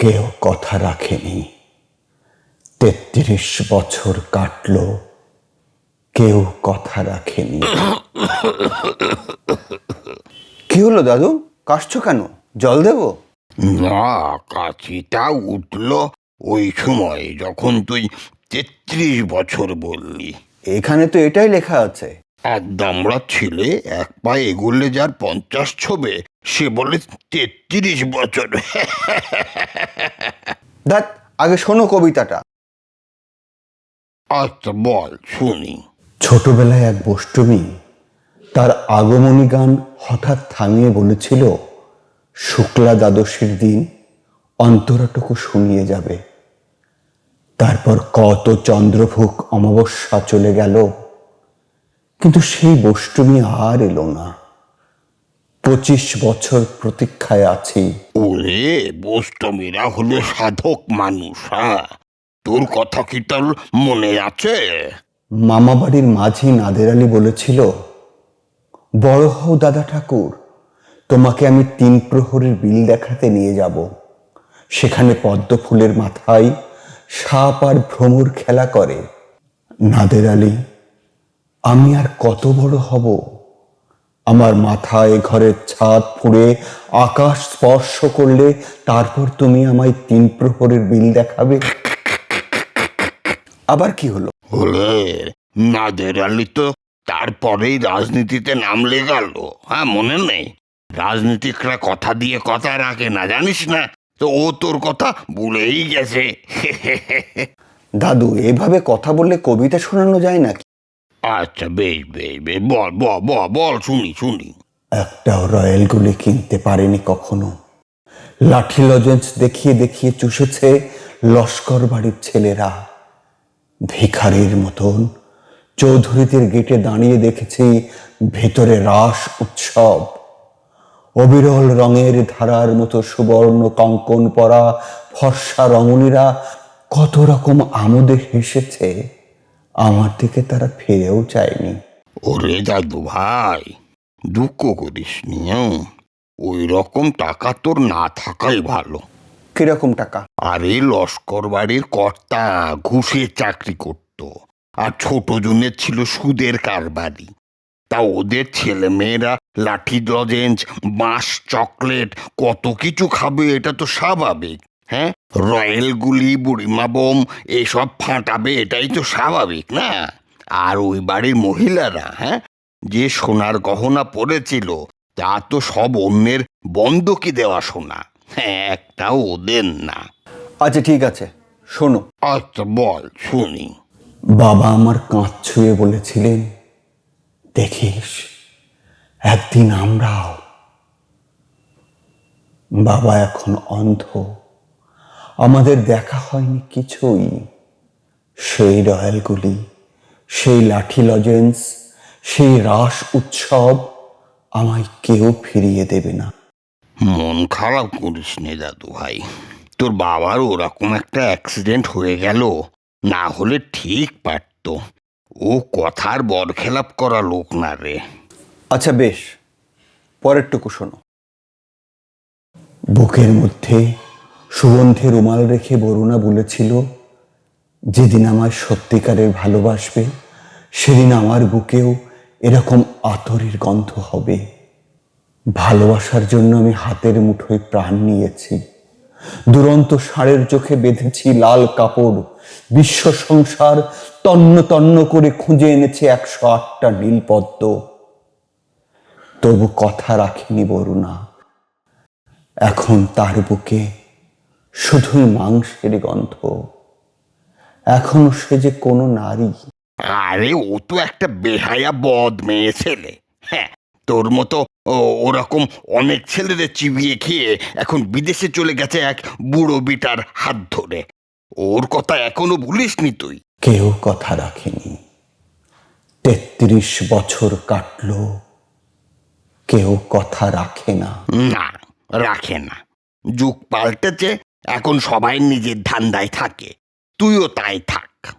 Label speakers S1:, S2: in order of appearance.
S1: কেউ কথা রাখেনি। ৩৩ বছর কাটল, কেউ কথা রাখেনি। কি হলো দাদু, কাশছো কেন? জল দেব?
S2: না, কাশিটা উঠল ওই সময় যখন তুই ৩৩ বছর বললি।
S1: এখানে তো এটাই লেখা আছে।
S2: এক দামড়া ছেলে এক পা এগোলে যার ৫০ ছোবে, সে বলে ৩৩ বছর।
S1: ধ্যাৎ, আগে শোনো কবিতাটা।
S2: আচ্ছা বল, শুনি।
S1: ছোটবেলায় এক বষ্টমী তার আগমনী গান হঠাৎ থামিয়ে বলেছিল, শুক্লা দ্বাদশীর দিন অন্তরাটুকু শুনিয়ে যাবে। তারপর কত চন্দ্রভোগ অমাবস্যা চলে গেল, কিন্তু সেই বষ্টমী আর এলো না। ২৫ বছর প্রতীক্ষায় আছি।
S2: ওরে, বষ্টমীরা হলো সাধক মানুষ। হ্যাঁ, তোর কথা কি তোর মনে আছে?
S1: মামাবাড়ির মাঝি নাদের আলী বলেছিল, বড় হও দাদা ঠাকুর, তোমাকে আমি ৩ প্রহরের বিল দেখাতে নিয়ে যাব। সেখানে পদ্ম ফুলের মাথায় সাপ আর ভ্রমর খেলা করে। নাদের আলী, আমি আর কত বড় হব? আমার মাথায় ঘরের ছাদ ফুঁড়ে আকাশ স্পর্শ করলে তারপর তুমি আমায় ৩ প্রহরের বিল দেখাবে। আবার কি হলো?
S2: হলে নাদের আলী তো তারপরেই রাজনীতিতে নামলে গেল। হ্যাঁ, মনে নেই? রাজনীতিকরা কথা দিয়ে কথা রাখে না, জানিস না? তো ও তোর কথা ভুলেই গেছে।
S1: দাদু, এভাবে কথা বললে কবিতা শোনানো যায় নাকি?
S2: আচ্ছা, বেশ বেশ বেশ, বল বল বল বল, শুনি শুনি।
S1: একটাও রয়্যাল গুলি কিনতে পারেনি কখনো। লাঠি লজেন্স দেখিয়ে দেখিয়ে চুষেছে লস্কর বাড়ির ছেলেরা। ভিখারির মতন চৌধুরীদের গেটে দাঁড়িয়ে দেখেছি ভেতরে রাস উৎসব। অবিরল রঙের ধারার মতো সুবর্ণ কঙ্কন পরা ফর্সা রমণীরা কত রকম আমোদে হেসেছে। আমার দিকে তারা ফিরেও চায়নি।
S2: ওরে দাদু ভাই, দুঃখ করিস নি। ওই রকম টাকা তোর না থাকাই ভালো।
S1: কিরকম টাকা?
S2: আরে, লস্কর বাড়ির কর্তা ঘুষের চাকরি করত, আর ছোট জনের ছিল সুদের কারবারি। তা ওদের ছেলে মেয়েরা লাঠি লজেন্স, বাঁশ, চকলেট কত কিছু খাবে, এটা তো স্বাভাবিক। হ্যাঁ, রয়্যাল গুলি, বুড়িমা বোম এসব ফাটাবে, এটাই তো স্বাভাবিক না? আর ওই বাড়ির মহিলারা, হ্যাঁ, যে সোনার গহনা পরেছিল তা তো সব অন্যের বন্ধকি দেওয়া সোনা। হ্যাঁ, একটাও ওদের না।
S1: আচ্ছা ঠিক আছে, শোনো।
S2: আচ্ছা বল, শুনি।
S1: বাবা আমার কাঁধ ছুঁয়ে বলেছিলেন, দেখিস একদিন আমরাও। বাবা এখন অন্ধ, আমাদের দেখা হয়নি কিছুই। সেই রয়্যালগুলি, সেই লাঠি লজেন্স, সেই রাস উৎসব আমায় কেউ ফিরিয়ে দেবে না।
S2: মন খারাপ করিস নে দাদু ভাই, তোর বাবার ওরকম একটা অ্যাক্সিডেন্ট হয়ে গেল, না হলে ঠিক পারত। ও কথার বরখেলাপ করা লোক না রে।
S1: আচ্ছা বেশ, পরেরটুকু শোনো। বুকের মধ্যে সুগন্ধে রুমাল রেখে বরুণা বলেছিল, যেদিন আমায় সত্যিকারের ভালোবাসবে সেদিন আমার বুকেও এরকম আতরের গন্ধ হবে। ভালোবাসার জন্য আমি হাতের মুঠোয় প্রাণ নিয়েছি। দুরন্ত ষাঁড়ের চোখে বেঁধেছি লাল কাপড়। বিশ্ব সংসার তন্ন তন্ন করে খুঁজে এনেছে ১০৮টা নীলপদ্ম। তবু কথা রাখেনি বরুণা। এখন তার বুকে শুধুই মাংসের গন্ধ। এখনো সে যে কোনো নারী।
S2: আরে, ও তো একটা বেহায়া বদ মেয়ে ছেলে। হ্যাঁ, তোর মতো ওরকম অনেক ছেলেদের চিবিয়ে খেয়ে এখন বিদেশে চলে গেছে এক বুড়ো বিটার হাত ধরে। ওর কথা এখনো ভুলিসনি তুই?
S1: কেউ কথা রাখেনি। ৩৩ বছর কাটল, কেউ কথা রাখে না।
S2: না, রাখে না। যুগ পাল্টেছে, এখন সবাই নিজের ধান্দায় থাকে। তুইও তাই থাক।